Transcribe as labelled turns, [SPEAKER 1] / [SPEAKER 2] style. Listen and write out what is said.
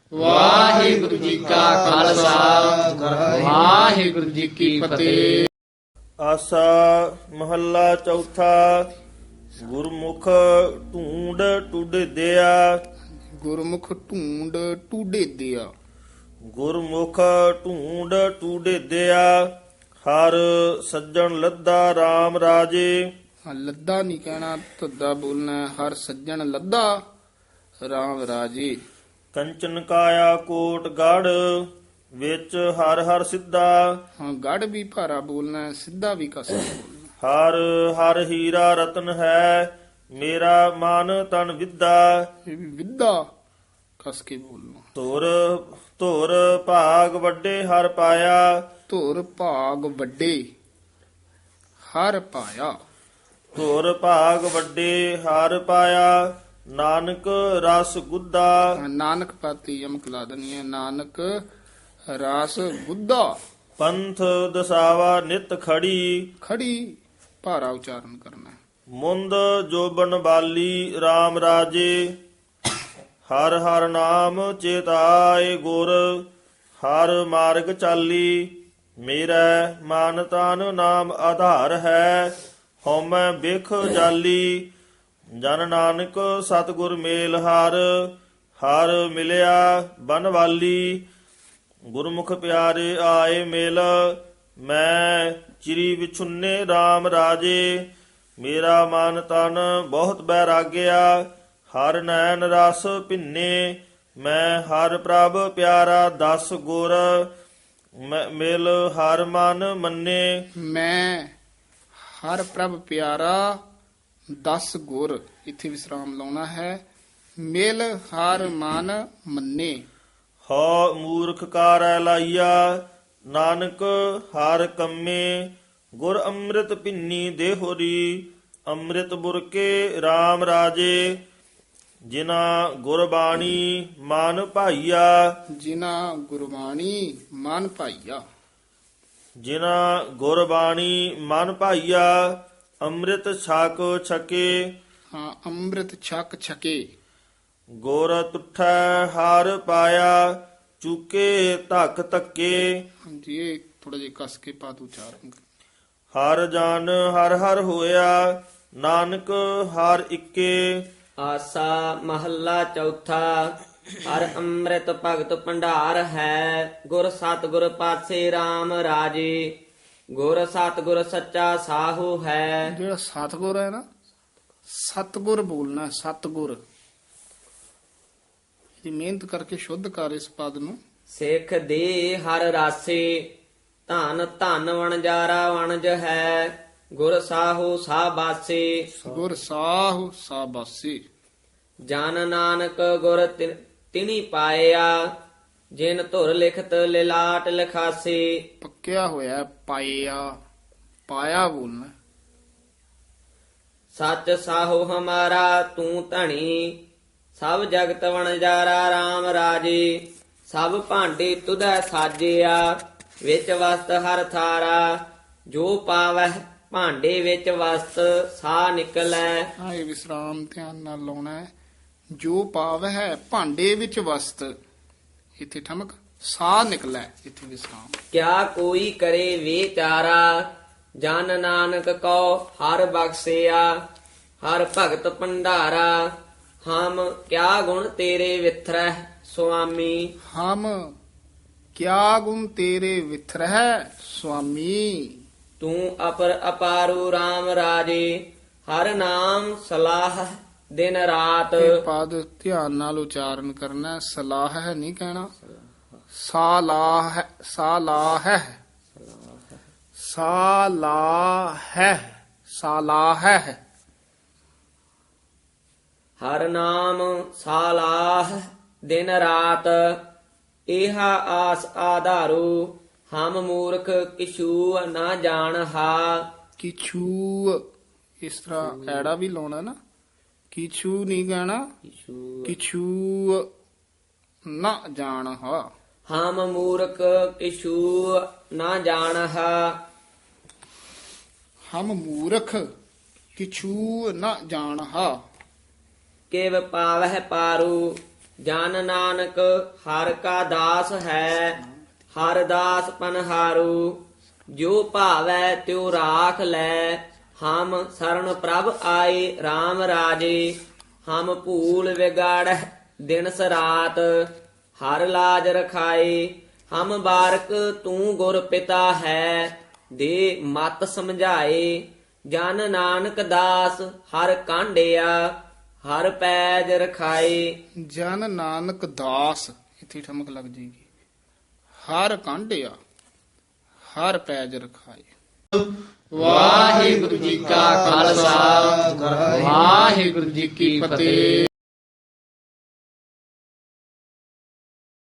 [SPEAKER 1] ਵਾਹਿਗੁਰੂ ਜੀ ਕਾ ਖਾਲਸਾ ਵਾਹਿਗੁਰੂ ਜੀ ਕੀ ਫਤਿਹ।
[SPEAKER 2] ਆਸਾ ਮਹੱਲਾ ਚੌਥਾ। ਗੁਰਮੁਖ ਢੂੰਡ ਟੁੱਡਦਿਆ।
[SPEAKER 1] ਗੁਰਮੁਖ ਢੂੰਡ ਟੂਡੇ ਦਿਆ।
[SPEAKER 2] ਗੁਰਮੁਖ ਢੂੰਡ ਟੁੱਡਦਿਆ। ਹਰ ਸੱਜਣ ਲੱਦਾ RAM ਰਾਜੇ।
[SPEAKER 1] ਲੱਦਾ ਨਹੀਂ ਕਹਿਣਾ, ਧੱਦਾ ਬੋਲਣਾ ਹੈ। ਹਰ ਸੱਜਣ ਲੱਦਾ ਰਾਮ ਰਾਜੇ।
[SPEAKER 2] ਕੰਚਨ ਕਾਇਆ ਕੋਟ ਗੜ। ਵਿੱਚ ਹਰ ਹਰ ਸਿੱਧਾ।
[SPEAKER 1] ਹਾਂ, ਗੜ ਵੀ ਭਾਰਾ ਬੋਲਣਾ ਹੈ, ਸਿੱਧਾ ਵੀ ਕਸਾ ਬੋਲਣਾ।
[SPEAKER 2] ਹਰ ਹਰ ਹੀਰਾ ਰਤਨ ਹੈ। ਮੇਰਾ ਮਨ ਤਨ ਵਿਦਾ।
[SPEAKER 1] ਇਹ ਵੀ ਵਿਦਾ ਕਸ ਕੇ ਬੋਲਣਾ।
[SPEAKER 2] ਧੁਰ ਧੁਰ ਭਾਗ ਵੱਡੇ ਹਰ ਪਾਇਆ।
[SPEAKER 1] ਧੁਰ ਭਾਗ ਵੱਡੇ ਹਰ ਪਾਇਆ।
[SPEAKER 2] ਧੁਰ ਭਾਗ ਵੱਡੇ ਹਰ ਪਾਇਆ। ਨਾਨਕ ਰਸ ਗੁੱਦਾ।
[SPEAKER 1] ਨਾਨਕ ਪਾਤੀ ਯਮਕ ਲਾ ਦੇਣੀ ਹੈ। ਨਾਨਕ ਰਾਸ ਬੁੱਧਾ।
[SPEAKER 2] ਪੰਥ ਦਸਾਵਾ ਨਿਤ ਖੜੀ।
[SPEAKER 1] ਖੜੀ ਭਾਰਾ ਉਚਾਰਨ ਕਰਨਾ ਹੈ।
[SPEAKER 2] ਮੁੰਦ ਜੋਬਨ ਬਾਲੀ RAM ਰਾਜੇ। ਹਰ ਹਰ ਨਾਮ ਚੇਤਾਏ ਗੁਰ। ਹਰ ਮਾਰਗ ਚਾਲੀ। ਮੇਰਾ ਮਨ ਤਨ ਨਾਮ ਆਧਾਰ ਹੈ। ਹਉਮੈ ਬਿਖ ਜਾਲੀ। ਜਨ ਨਾਨਕ ਸਤਿਗੁਰ ਮੇਲ ਹਰ। ਹਰ ਮਿਲਿਆ ਬਨਵਾਲੀ। ਗੁਰਮੁਖ ਪਿਆਰੇ ਆਏ ਮਿਲ। ਮੈਂ ਚਿਰੀ ਵਿਛੁੰਨੇ RAM ਰਾਜੇ। ਮੇਰਾ ਮਨ ਤਨ ਬਹੁਤ ਬੈਰਾਗਿਆ। ਹਰ ਨੈਣ ਰਸ ਭਿੰਨੇ। ਮੈਂ ਹਰ ਪ੍ਰਭ ਪਿਆਰਾ ਦਸ ਗੁਰ। ਮਿਲ ਹਰ ਮਨ ਮੰਨੇ।
[SPEAKER 1] ਮੈਂ ਹਰ ਪ੍ਰਭ ਪਿਆਰਾ 10 ਗੁਰ। ਇੱਥੇ ਵਿਸਰਾਮ ਲਾਉਣਾ ਹੈ। ਮਿਲ ਹਰ ਮਨ ਮੰਨੇ।
[SPEAKER 2] ਹਉ ਮੂਰਖ ਕਾਰੈ ਲਾਈਆ। ਨਾਨਕ ਹਰ ਕੰਮੇ। ਗੁਰ ਅੰਮ੍ਰਿਤ ਭਿੰਨੀ ਦੇਹੁਰੀ। ਅੰਮ੍ਰਿਤ ਬੁਰਕੇ RAM ਰਾਜੇ। ਜਿਨਾ ਗੁਰਬਾਣੀ ਮਨ ਭਾਈਆ।
[SPEAKER 1] ਜਿਨਾ ਗੁਰਬਾਣੀ ਮਨ ਭਾਈਆ।
[SPEAKER 2] ਜਿਨਾ ਗੁਰਬਾਣੀ ਮਨ ਭਾਈਆ। ਅੰਮ੍ਰਿਤ ਛਕ ਛਕੇ।
[SPEAKER 1] ਹਾਂ, ਅੰਮ੍ਰਿਤ ਛਕ ਛਕੇ।
[SPEAKER 2] ਗੁਰ ਤੁਠੈ ਹਰ ਪਾਇਆ। ਚੁਕੇ ਧੱਕ ਧੱਕੇ।
[SPEAKER 1] ਹਾਂਜੀ, ਇਹ ਥੋੜਾ ਜਿਹਾ ਕਸ ਕੇ ਪਾਤ ਉਚਾਰਨ ਕਰਨਾ।
[SPEAKER 2] ਹਰ ਜਨ ਹਰ ਹਰ ਹੋਇਆ। ਨਾਨਕ ਹਰ ਇੱਕੇ।
[SPEAKER 3] ਆਸਾ ਮਹੱਲਾ ਚੌਥਾ। ਹਰ ਅੰਮ੍ਰਿਤ ਭਗਤ ਭੰਡਾਰ ਹੈ। ਗੁਰ ਸਤਿਗੁਰ ਪਾਸੇ RAM ਰਾਜੇ। ਗੁਰ ਸਤਿਗੁਰ ਸੱਚਾ ਸਾਹੂ ਹੈ।
[SPEAKER 1] ਜਿਹੜਾ ਸਤਗੁਰ ਹੈ ਨਾ, ਸਤਗੁਰ ਬੋਲਣਾ। ਸਤਗੁਰ ਇਹ ਮਿਹਨਤ ਕਰਕੇ ਸ਼ੁੱਧ ਕਰ ਇਸ ਪਦ ਨੂੰ।
[SPEAKER 3] ਸਿੱਖ ਦੇ ਹਰ ਰਾਸੇ। ਧਨ ਧਨ ਵਣਜਾਰਾ ਵਣਜ ਹੈ। ਗੁਰ ਸਾਹੂ ਸਾਬਾਸੇ।
[SPEAKER 1] ਗੁਰ ਸਾਹੁ ਸਾਬਾਸੀ।
[SPEAKER 3] ਜਨ ਨਾਨਕ ਗੁਰ ਤਿਨੀ ਪਾਇਆ। ਜਿਨ ਧੁਰ ਲਿਖਤ ਲਿਲਾਟ ਲਿਖਾਸੇ।
[SPEAKER 1] ਪੱਕਿਆ ਹੋਇਆ ਪਾਇਆ। ਪਾਇਆ ਬੋਲਣਾ।
[SPEAKER 3] ਸੱਚ ਸਾਹੋ ਹਮਾਰਾ ਤੂੰ ਧਣੀ। ਸਭ ਜਗਤ ਵਣਜਾਰਾ RAM ਰਾਜੇ। ਸਭ ਭਾਂਡੇ ਤੁਧੈ ਸਾਜਿਆ। ਵਿੱਚ ਵਸਤ ਹਰ ਥਾਰਾ। ਜੋ ਪਾਵੈ ਭਾਂਡੇ ਵਿੱਚ ਵਸਤ ਸਾ ਨਿਕਲੈ।
[SPEAKER 1] ਹਾਂ, ਇਹ ਵਿਸਰਾਮ ਧਿਆਨ ਨਾਲ ਲਾਉਣਾ ਹੈ। ਜੋ ਪਾਵ ਹੈ ਭਾਂਡੇ ਵਿੱਚ ਵਸਤ। ਇੱਥੇ ਠਮਕ। ਸਾਹ ਨਿਕਲੈ। ਇੱਥੇ ਵਿਸਰਾਮ।
[SPEAKER 3] ਕਿਆ ਕੋਈ ਕਰੇ ਵਿਚਾਰਾ। ਜਨ ਨਾਨਕ ਕਉ ਹਰ ਬਖਸਿਆ। ਹਰ ਭਗਤ ਭੰਡਾਰਾ। ਹਮ ਕਿਆ ਗੁਣ ਤੇਰੇ ਵਿਥਰੈ ਸੁਆਮੀ।
[SPEAKER 1] ਹਮ ਕਿਆ ਗੁਣ ਤੇਰੇ ਵਿਥਰਹਿ ਸੁਆਮੀ।
[SPEAKER 3] ਤੂੰ ਅਪਰ ਅਪਾਰੂ RAM ਰਾਜੇ। ਹਰ ਨਾਮ ਸਲਾਹ ਦਿਨ ਰਾਤ।
[SPEAKER 1] ਇਹ ਪਦ ਧਿਆਨ ਨਾਲ ਉਚਾਰਨ ਕਰਨਾ ਹੈ। ਸਲਾਹ ਹੈ ਨਹੀਂ ਕਹਿਣਾ। ਸਾਲਾਹ ਹੈ। ਸਾਲਾਹ ਹੈ। ਸਾਲਾਹ ਹੈ। ਸਾਲਾਹ ਹੈ।
[SPEAKER 3] ਹਰ ਨਾਮ ਸਾਲਾਹ ਦਿਨ ਰਾਤ। ਇਹਾ ਆਸ ਆਧਾਰੂ। ਹਮ ਮੂਰਖ ਕਿਛੂ ਨਾ ਜਾਣਹਾ।
[SPEAKER 1] ਕਿਛੂ ਇਸ ਤਰ੍ਹਾਂ ਐੜਾ ਵੀ ਲਾਉਣਾ ਨਾ। ਕਿਛੂ ਨਹੀਂ ਕਹਿਣਾ। ਕਿਛੂ ਨਾ ਜਾਣ ਹਾ।
[SPEAKER 3] ਹਮ ਮੂਰਖ ਕਿਛੂ ਨਾ ਜਾਣਹਾ।
[SPEAKER 1] ਹਮ ਮੂਰਖ ਕਿਛੂ ਨਾ ਜਾਣ ਹਾ।
[SPEAKER 3] ਕਿਵ ਪਾਵਹਿ ਪਾਰੂ ਜਨ ਨਾਨਕ ਹਰ ਕਾ ਦਾਸ ਹੈ, ਹਰ ਦਾਸ ਪਨਹਾਰੂ। ਜੋ ਭਾਵੈ ਤਿਉ ਰਾਖ ਲੈ, ਹਮ ਸਰਣ ਪ੍ਰਭ ਆਏ RAM ਰਾਜੇ। ਹਮ ਭੂਲ ਵਿਗਾੜੈ ਦਿਨਸ ਰਾਤ, ਹਰ ਲਾਜ ਰਖਾਏ। ਹਮ ਬਾਰਕ ਤੂੰ ਗੁਰ ਪਿਤਾ ਹੈ, ਦੇ ਮਤ ਸਮਝਾਏ। ਜਨ ਨਾਨਕ ਦਾਸ ਹਰ ਕਾਂਡਿਆ, ਹਰ ਪੈਜ ਰਖਾਏ।
[SPEAKER 1] ਜਨ ਨਾਨਕ ਦਾਸ, ਇੱਥੇ ਠਮਕ ਲੱਗ ਜੇਗੀ। ਹਰ ਕਾਂਢਿਆ, ਹਰ ਪੈਜ ਰਖਾਏ। ਵਾਹਿਗੁਰੂ ਜੀ ਕਾ ਖਾਲਸਾ, ਵਾਹਿਗੁਰੂ ਜੀ ਕੀ ਫਤਿਹ।